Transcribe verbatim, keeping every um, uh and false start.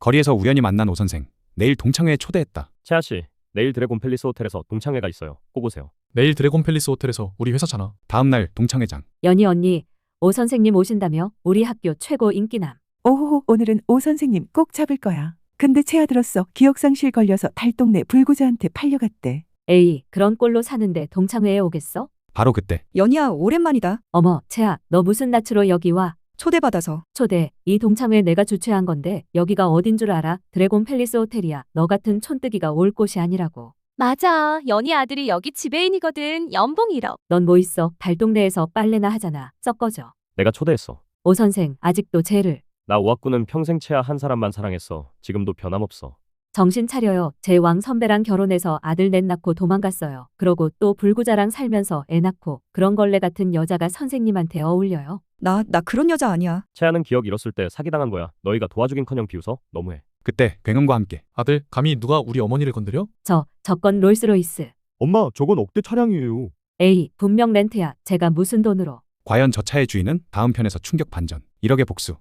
거리에서 우연히 만난 오 선생. 내일 동창회에 초대했다. 채아 씨, 내일 드래곤 팰리스 호텔에서 동창회가 있어요. 꼭 오세요. 내일 드래곤 팰리스 호텔에서 우리 회사잖아. 다음 날 동창회장. 연희 언니, 오 선생님 오신다며? 우리 학교 최고 인기남. 오호호, 오늘은 오 선생님 꼭 잡을 거야. 근데 채아 들었어. 기억상실 걸려서 달동네 불구자한테 팔려갔대. 에이, 그런 꼴로 사는데 동창회에 오겠어? 바로 그때 연희야, 오랜만이다. 어머, 채아, 너 무슨 낯으로 여기 와? 초대받아서. 초대, 이 동창회 내가 주최한 건데 여기가 어딘 줄 알아? 드래곤 팰리스 호텔이야. 너 같은 촌뜨기가 올 곳이 아니라고. 맞아. 연희 아들이 여기 지배인이거든. 연봉 일억. 넌 뭐 있어? 달동네에서 빨래나 하잖아. 썩 꺼져. 내가 초대했어. 오 선생, 아직도 쟤를. 나 오학구는 평생 채아 한 사람만 사랑했어. 지금도 변함없어. 정신 차려요. 제 왕 선배랑 결혼해서 아들 넷 낳고 도망갔어요. 그러고 또 불구자랑 살면서 애 낳고 그런 걸레 같은 여자가 선생님한테 어울려요. 나, 나 그런 여자 아니야. 채아는 기억 잃었을 때 사기당한 거야. 너희가 도와주긴커녕 비웃어? 너무해. 그때 굉음과 함께 아들, 감히 누가 우리 어머니를 건드려? 저, 저건 롤스로이스. 엄마, 저건 억대 차량이에요. 에이, 분명 렌트야. 제가 무슨 돈으로. 과연 저 차의 주인은 다음 편에서 충격 반전. 일억의 복수.